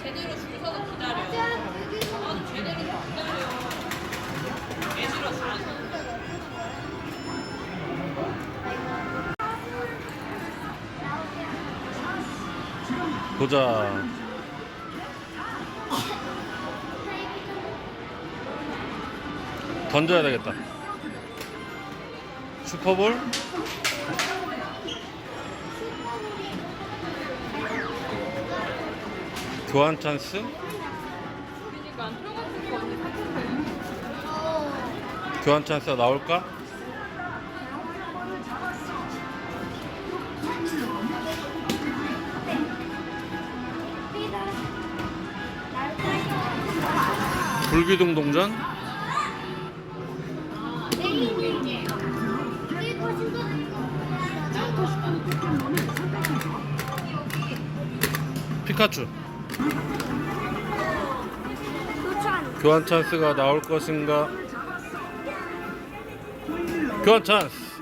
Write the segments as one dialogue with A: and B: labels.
A: 제대로 줄 서서 기다려. 나도 제대로 기다려. 개 싫어, 줄 서서.
B: 보자. 던져야 되겠다. 슈퍼볼. 교환 찬스.
A: 그러니까 안 들어갔을 거 언니 사건데.
B: 교환 찬스가 나올까? 불기둥 동전. 피카츄. 교환 찬스가 나올 것인가? 교환 찬스.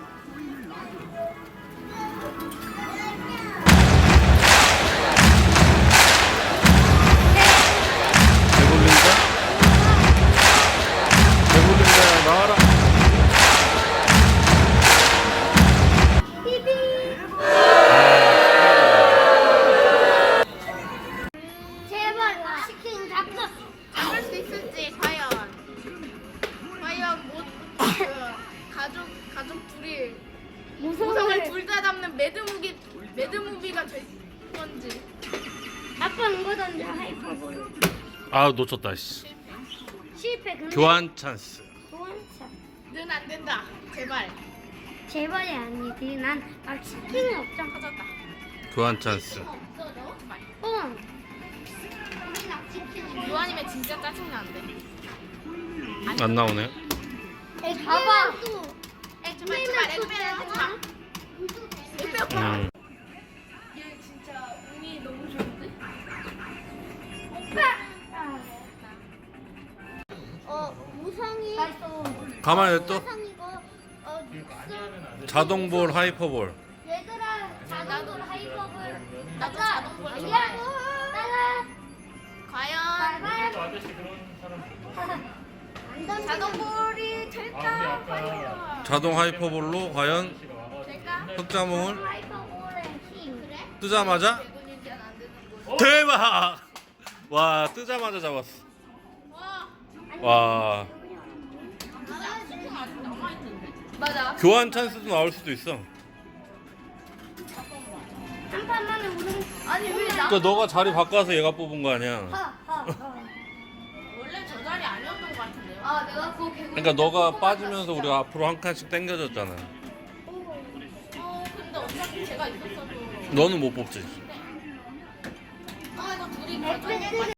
B: 배불린다? 배불린다. 나와라.
C: 제발 치킨 잡을 수 있을지 과연 못 가족 둘이 모성을 둘 다 잡는 매드무비가 될 건지. 아빠는 거던데 하이퍼볼
B: 아, 놓쳤다. 씨.
C: 실패. 근데
B: 교환 찬스.
C: 는 안 된다. 제발이 아니지. 난 치킨이 없잖아. 찾았다.
B: 교환 찬스.
C: 요한이면 진짜 짜증나는데.
B: 안 나오네.
C: 봐봐. 제발
B: 음.
C: 얘 진짜 운이 너무 좋은데? 무성이
B: 가만히 또.
C: 무성이고
B: 자동볼, 하이퍼볼.
C: 얘들아 자동볼 하이퍼볼. 나도 자동볼 좋아해. 과연 자동볼이 될까? 과연
B: 자동 하이퍼볼로 과연
C: 될까?
B: 흑자몽을
C: 하이퍼볼의 힘. 그래?
B: 뜨자마자 대박! 와, 뜨자마자 잡았어. 와,
C: 맞아.
B: 교환 찬스도 나올 수도 있어.
C: 한 판만에 우승. 아니 왜 나?
B: 그러니까 너가 자리 바꿔서 얘가 뽑은 거 아니야.
A: 원래 저 자리 아니었던 것 같은데요?
C: 아 내가 그거 개구.
B: 그러니까 너가 빠지면서 우리가 앞으로 한 칸씩 당겨졌잖아.
A: 근데 어차피 제가 있었어도.
B: 너는 못 뽑지.
A: 이거 둘이 결정.